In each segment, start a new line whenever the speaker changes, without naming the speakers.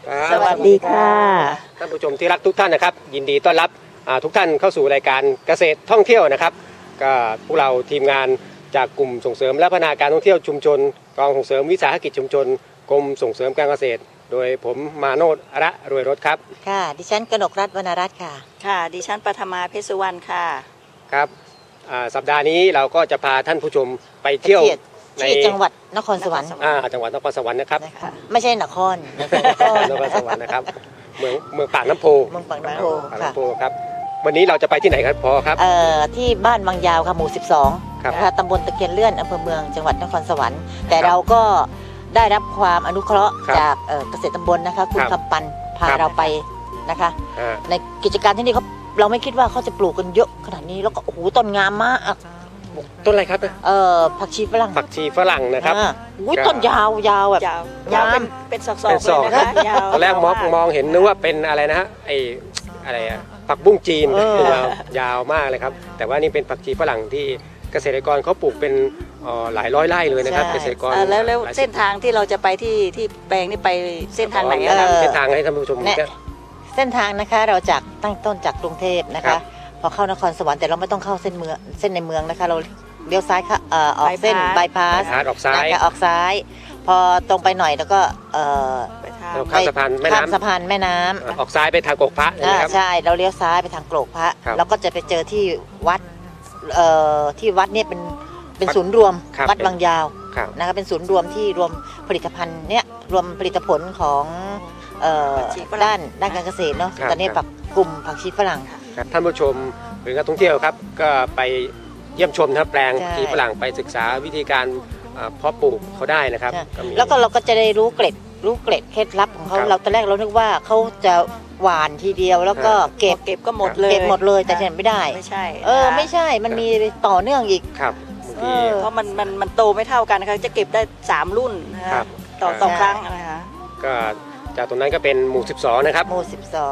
สวัสดีค่ะ
ท่านผู้ชมที่รักทุกท่านนะครับยินดีต้อนรับทุกท่านเข้าสู่รายการเกษตรท่องเที่ยวนะครับก็พวกเราทีมงานจากกลุ่มส่งเสริมและพัฒนาการท่องเที่ยวชุมชนกองส่งเสริมวิสาหกิจชุมชนกรมส่งเสริมการเกษตรโดยผมมาโนชระรวยรถครับ
ค่ะดิฉันกนกรัตน์วรรณรัตน์ค่ะ
ค่ะดิฉันปฐมาเพชรสุวรรณค่ะ
ครับสัปดาห์นี้เราก็จะพาท่านผู้ชมไปเที่ยวใน
จังหวัดนครสวรรค์
จังหวัดนครสวรรค์นะครับ
ไม่ใช่นคร
นครสวรรค์นะครับเมืองปากน้ำโพครับวันนี้เราจะไปที่ไหนครับพอครับ
ที่บ้านบางยาวค่ะหมู่12นะคะตำบลตะเคียนเลื่อนอำเภอเมืองจังหวัดนครสวรรค์แต่เราก็ได้รับความอนุเคราะห์จากเกษตรตำบลนะคะคุณคำปันพาเราไปนะคะในกิจการที่นี่เราไม่คิดว่าเขาจะปลูกกันเยอะขนาดนี้แล้วก็โอ้โหต้นงามมาก
ต้นอะไรครับ
ผักชีฝรั่ง
นะครับ
ต้นยาวแบบ
ยาวเป็นศอกๆเลยนะคะยาว
ตอนแรกมองเห็นนึกว่าเป็นอะไรนะฮะอะไรผักบุ้งจีนยาวมากเลยครับแต่ว่านี่เป็นผักชีฝรั่งที่เกษตรกรเขาปลูกเป็นหลายร้อยไร่เลยนะครับเกษตรกร
แล้วเส้นทางที่เราจะไปที่แปลงนี่ไปเส้นทางไหนครับ
เส้นทางให้ท่านผู้ชม
เส้นทางนะคะเราจากตั้งต้นจากกรุงเทพนะคะพอเข้านครสวรรค์แต่เราไม่ต้องเข้าเส้นในเมืองนะคะเราเลี้ยวซ้ายค่ะออกเส้นบายพาส
ออกซ้าย
พอตรงไปหน่อยแล้วก็
ข้ามสะพานแ
ม่น้ำ
ออกซ้ายไปทางโกกพระนะครับ
ใช่เราเลี้ยวซ้ายไปทางโกกพระแล้วก็จะไปเจอที่วัดเนี่ยเป็นศูนย์รวมวัดบางยาวนะคะเป็นศูนย์รวมที่รวมผลิตภัณฑ์เนี่ยรวมผลิตผลของด้านการเกษตรเนาะตอนนี้กลุ่มผักชีฝรั่ง
ท่านผู้ชมหรือนักท่องเที่ยวครับก็ไปเยี่ยมชมนะแปลงผักชีฝรั่งไปศึกษาวิธีการเพาะปลูกเขาได้นะครับ
แล้วก็เราก็จะได้รู้เกร็ดเคล็ดลับของเขาเราตอนแรกเรานึกว่าเขาจะหวานทีเดียวแล้วก็เก็บ
ก็หมดเลย
แต่เห็นไม่ได้
ไม่ใช่
ไม่ใช่มันมีต่อเนื่องอีก
ครับ
เพราะมันโตไม่เท่ากันนะคะจะเก็บได้3รุ่นต่อครั้งนะคะ
ก็จากตรงนั้นก็เป็นหมู่12นะครับ
หมู่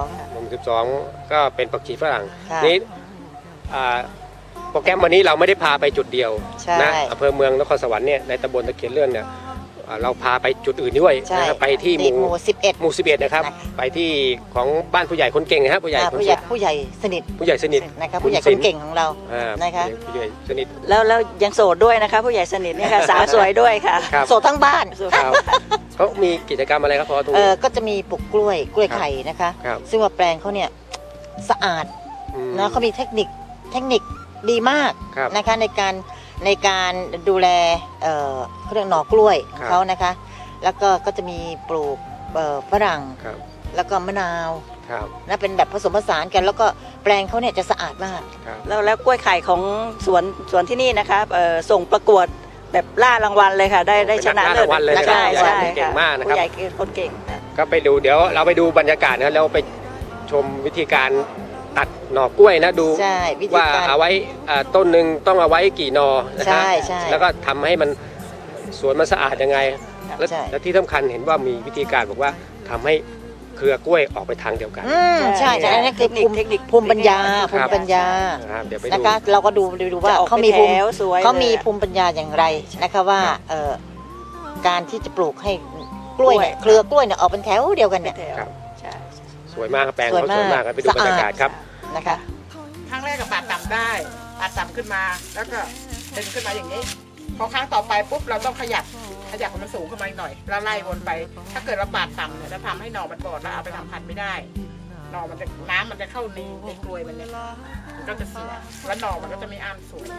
12ก็เป็นผักชีฝรั่งนี้โปรแกรมวันนี้เราไม่ได้พาไปจุดเดียวนะอำเภอเมืองนครสวรรค์เนี่ยในตำบลตะเคียนเลื่อนเนี่ยเราพาไปจุดอื่นด้วยนะครับไปที่หมู่11นะครับไปที่ของบ้านผู้ใหญ่คนเก่งนะครับผู้ใหญ่
สนิท
นะครับ
ผู้ใหญ่คนเก่งของเรานะคะ
ผู้ใหญ่สนิท
แล้วยังโสดด้วยนะคะผู้ใหญ่สนิทนี่ค่ะสาวสวยด้วยค่ะ
โสดทั้งบ้าน
เขามีกิจกรรมอะไรครับพอตรงนี้
ก็จะมีปลูกกล้วยไข่นะคะซึ่งว่าแปลงเขาเนี่ยสะอาดนะเขามีเทคนิคดีมากนะคะในการดูแลเขาเรียกหน่อกล้วยเขานะคะแล้วก็จะมีปลูกฝรั่งแล้วก็มะนาวนะเป็นแบบผสมผสานกันแล้วก็แปลงเขาเนี่ยจะสะอาดมาก
แล้วกล้วยไข่ของสวนที่นี่นะคะส่งประกวดแบบล่ารางวัลเลยค่ะได้ชนะเลิศ
ใช่เก่งมากนะครับ
ผู้ใหญ่คนเก่ง
ก็ไปดูเดี๋ยวเราไปดูบรรยากาศนะแล้วไปชมวิธีการตัดหน่อกล้วยนะดูว่าเอาไว้ต้นหนึ่งต้องเอาไว้กี่หน่อนะครับแล้วก็ทำให้มันสวนมันสะอาดยังไงและที่สำคัญเห็นว่ามีวิธีการบอกว่าทำให้เครือกล้วยออกไปทางเดียวกัน
ใช่อันนี้คือภูมิปัญญานะคะเราก็ดูว่าเขามีภูมิปัญญาอย่างไรนะคะว่าการที่จะปลูกให้กล้วยเนี่ยเครือกล้วยเนี่ยออกเป็นแถวเดียวกันเนี่ย
สวยมากแปลงเขาสวยมากไปดูบรรยากาศครับ
นะคะ
ครั้งแรกก็ปาดต่ำได้ปาดต่ำขึ้นมาแล้วก็ดึงขึ้นมาอย่างนี้พอครั้งต่อไปปุ๊บเราต้องขยับมันสูงขึ้นมาหน่อยแล้วไล่วนไปถ้าเกิดเราปาดต่ำเนี่ยจะทำให้หน่อมันบอดแล้วเอาไปทำพันธุ์ไม่ได้หน่อมันจะน้ำมันจะเข้าในกล้วยมันเนี่ยมันก็จะเสียแล้วหน่อมันก็จะไม่อ้ามสวย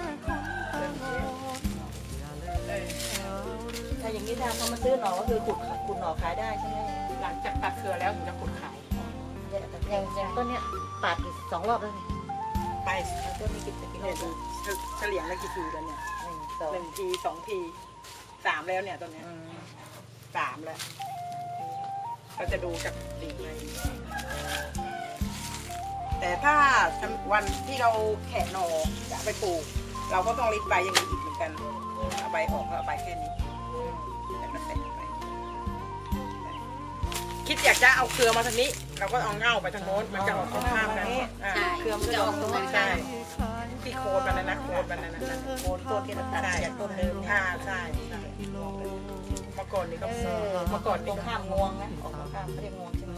ถ้าอย่างนี้ถ้าเขามาซื้อหน่อก็คือขุดหน่อขายได้ใช่ไหม
หลังจากตัดเครือแล้วถึงจะขุดขาย
อย่างต้นเนี้ยปาด2 รอบแล้วนี่
ไปต้นนี้กี่ดูเฉลี่ยแล้วกี่ทีแล้วเนี่ย1 ที 2 ที 3แล้วเนี่ยต้นเนี้ย3แล้วเราจะดูจากดิ่งในแต่ถ้าวันที่เราแคะหน่อจะไปปลูกเราก็ต้องริดใบอย่างนี้อีกเหมือนกันเอาใบออกแล้วเอาใบแค่นี้แล้วก็แตะไปคิดอยากจะเอาเครือมาทางนี้เราก็เอาเง่าไปทางโน้นมันจะออกตรงข้ามกัน
เครือมันจะออกตรงนั้น
ใช่ที่โคนมันนะโคนมันนะ
โคนต้นที่เราตัดจากต้นเดิม
ใช่เมื่อก่อนนี่ก็
ตรงข้ามงวงนะออกตรงข้ามเขาเรียกงวงใช่ไหม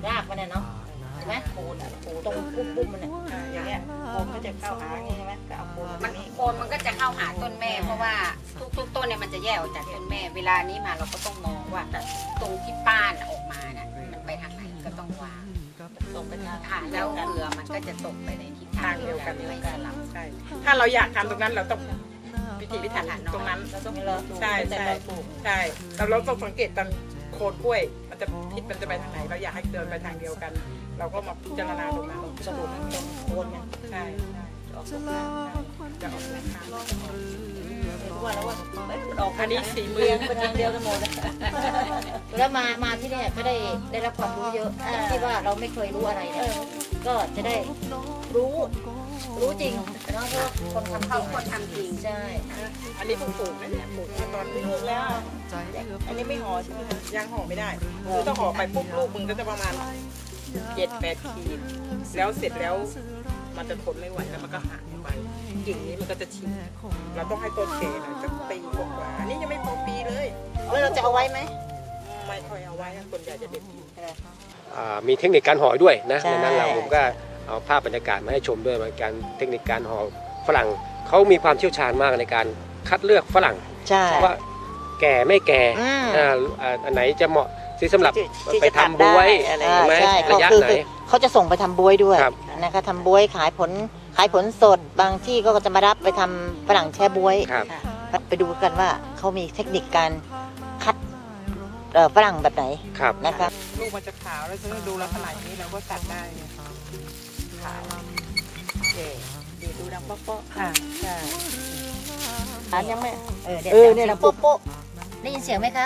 รากมันเนาะเห็นไหมโคนตรงปุ้มมันเนี่ยอย่างเงี้ยโคนก็จะเข้าหาอย่างงี้ใช่ไหมก็เอาโคน
โคนมันก็จะเข้าหาต้นแม่เพราะว่าทุกต้นเนี่ยมันจะแยกออกจากต้นแม่เวลานี้มาเราก็ต้องมองว่าตรงที่ป้านออกมาน่ะมันไปทางไหนก็ต้องวางตรงไปทางแล้วเกลือมันก็จะตกไปในทิศทางเดียวกันไม่สลับ
ใช่ถ้าเราอยากทำตรงนั้นเราต้องพิถีพิถันตรงนั้นใช่ใช่ใช่เราต้องสังเกตตอนโคนกล้วยมันจะทิศมันจะไปทางไหนเราอยากให้เดินไปทางเดียวกัน เราก็มาพิจารณาตรงนั้นสรุปตรงโคนเนี่ยใช่จะออกทางว่าแล้วว่าอันนี้สีมือ
เป็นทางเดียวกันหมดแล้วมาที่นี่ก็ได้รับความรู้เยอะที่ว่าเราไม่เคยรู้อะไรเนี่ยก็จะได้รู้จริงเนาะเพราะคนทำจริงใช่
อันนี้เพิ่งปลูกนะเนี่ยปลูกมาตอนปลูกแล้วอันนี้ไม่ห่อใช่ไหมยังห่อไม่ได้คือถ้าห่อไปปุ๊บลูกมึงก็จะประมาณ7-8 ขีดแล้วเสร็จแล้วมันจะทนไม่ไหวแล้วมันก็หักไปกิ่งนี้มันก็จะฉีกเราต้องให้ต้นแก่หน่อยสักปีกว่าอันนี้ยังไม่พอปีเลย
แล้วเราจะเอาไว้ไหม
ไม่ค่อยเอาไว้นะคนใหญ่จะเด็ด
มีเทคนิคการห่อด้วยนะในนั้นผมก็เอาภาพบรรยากาศมาให้ชมด้วยเหมือนกันเทคนิคการห่อฝรั่งเขามีความเชี่ยวชาญมากในการคัดเลือกฝรั่งว่าแก่ไม่แก่อันไหนจะเหมาะที่สำหรับไปทำบ๊วยไหมระยะไหน
เขาจะส่งไปทำบ๊วยด้วยนะคะทำบ๊วยขายผลสดบางที่ก็จะมารับไปทำฝรั่งแช่บ๊วยไปดูกันว่าเขามีเทคนิคการคัดฝรั่งแบบไหนนะคะ
ลูกมันจะขาวแล้วจะดูลักษณะอย่างนี้เราก็ตัดได้ขาวดีดูดังโป๊ะใช่อันยังไม่
เนี่ยดังโป๊ะได้ยินเสียงไหมคะ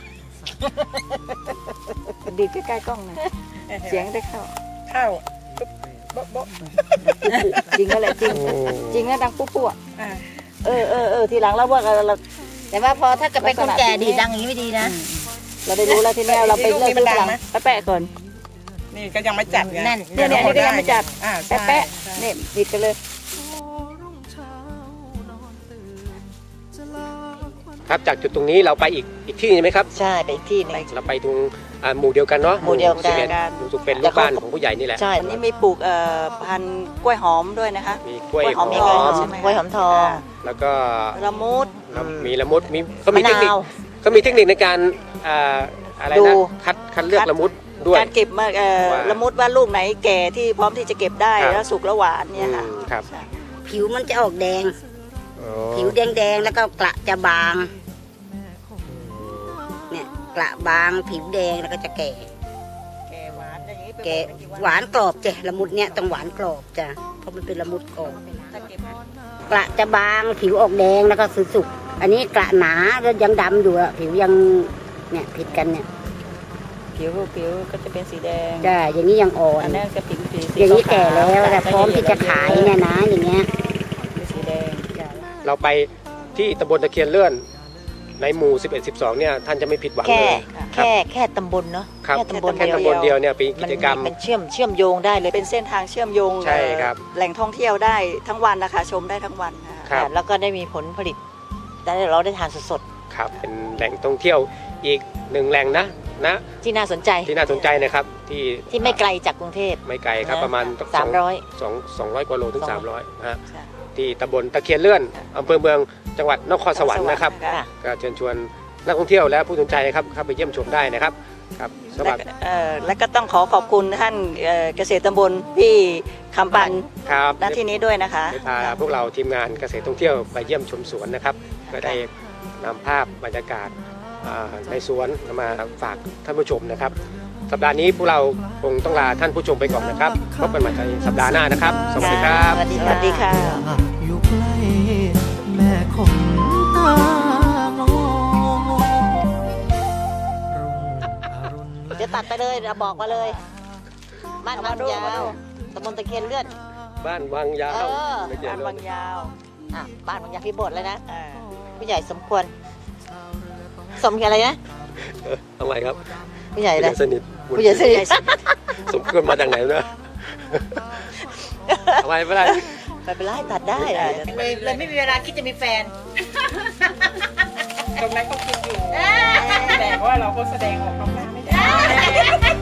ดีใกล้ๆกล้องนะเสียงได้เข้า
โบ๊ะ
จริงก็แหละจริงนะดังปุ๊บทีหลังเราว่าเรา
แต่ว่าพอถ้าเกิดเป็นคนแก่ดีดังอย่างนี้ไม่ดีนะ
เราได้รู้แล้วทีนี้เราไปเลิกที่หลังแปะก่อน
นี่ก็ยังไม่จัดไง
เนี่ยก็ยังไม่จัดแปะเนี่ยบิดกันเลย
ครับจากจุดตรงนี้เราไปอีกที่นึงไหมครับ
ใช่ไปอีกที่นึง
เราไปตรงหมู่เดียวกันเนาะ
หมู่เดียวกัน
รู้สึกเป็นลูกบ้านของผู้ใหญ่นี่แหละ
ใช่อันนี้มีปลูกพันธุ์กล้วยหอมด้วยนะคะ
มีกล้วยหอม
กล้วยหอมทอง
แล้วก็
ละมุด
มีละมุดก็มีเทคนิคในการอะไรนะคัดเลือกละมุดด้วย
การเก็บมาละมุดว่าลูกไหนแก่ที่พร้อมที่จะเก็บได้แล้วสุกแล้วหวานเนี่ยค่ะ
ครับ
ผิวมันจะออกแดงผิวแดงแล้วก็กระจะบางเนี่ยกระบางผิวแดงแล้วก็จะแก่หวานกรอบจ้ะละมุดเนี่ยต้องหวานกรอบจ้ะเพราะมันเป็นละมุดกรอบกระจะบางผิวออกแดงแล้วก็สุกอันนี้กระหนาแล้วยังดำอยู่อะผิวยังเนี่ยผิดกันเนี่ย
ผิวก็จะเป็นสีแดง
จ้ะอย่างนี้ยังอ่อน
อันนั้นจะผิว
อย่างนี้แก่แล้วแต่พร้อมที่จะขายเนี่ยนะอย่างเงี้ย
สีแดง
เราไปที่ตำบลตะเคียนเลื่อนในหมู่11-12เนี่ยท่านจะไม่ผิดหวังเลย
แค่ตำบลเนาะ
แค่ตำบลเดียวเนี่ยเป็นกิจกรรม
เป็นเชื่อมโยงได้เลย
เป็นเส้นทางเชื่อมโยง
ใช่ครับ
แหล่งท่องเที่ยวได้ทั้งวันนะคะชมได้ทั้งวัน
ค่ะแล้วก็ได้มีผลผลิตแต่เราได้ทานสด
ๆครับเป็นแหล่งท่องเที่ยวอีกหนึ่งแหล่งนะ
ที่น่าสนใจ
นะครับ
ที่ไม่ไกลจากกรุงเทพ
ไม่ไกลครับประมาณ200 กว่าโลถึง300ฮะที่ตำบลตะเคียนเลื่อนอำเภอเมืองจังหวัดนครสวรรค์นะครับก็เชิญชวนนักท่องเที่ยวและผู้สนใจครับเข้าไปเยี่ยมชมได้นะครับครับสวัสดี
และก็ต้องขอบคุณท่านเกษตรตำบลพี่คำปันณที่นี้ด้วยนะคะ
พาพวกเราทีมงานเกษตรท่องเที่ยวไปเยี่ยมชมสวนนะครับก็ได้นำภาพบรรยากาศในสวนมาฝากท่านผู้ชมนะครับสัปดาห์นี้พวกเราคงต้องลาท่านผู้ชมไปก่อนนะครับพบกันใหม่ในสัปดาห์หน้านะครับสวัสดีครับ
สวัสดีค่ะ
อยู่ใกล้แม่คงตาม
องจะตัดไปเลยเราบอกมาเลยบ้านวังยาวตำบลตะเคียนเลื่อน
บ้านวังยาว
บ้านวังยาว
บ้านวังยาวพี่บดเลยนะผู้ใหญ่สมควรสมอะไรนะ
ทำไมครับ
ผู้ใหญ่เลย
สนิท
ผู้ใหญ่สนิท
สมควรมาจากไหนนะทำไมไม่ได้
ไปเป็นไรตัดได้เลยไม่มีเวลาคิดจะมีแฟน
ตรงนั้นก็คิดอยู่แต่ว่าเราก็แสดงออกมาไม่ได้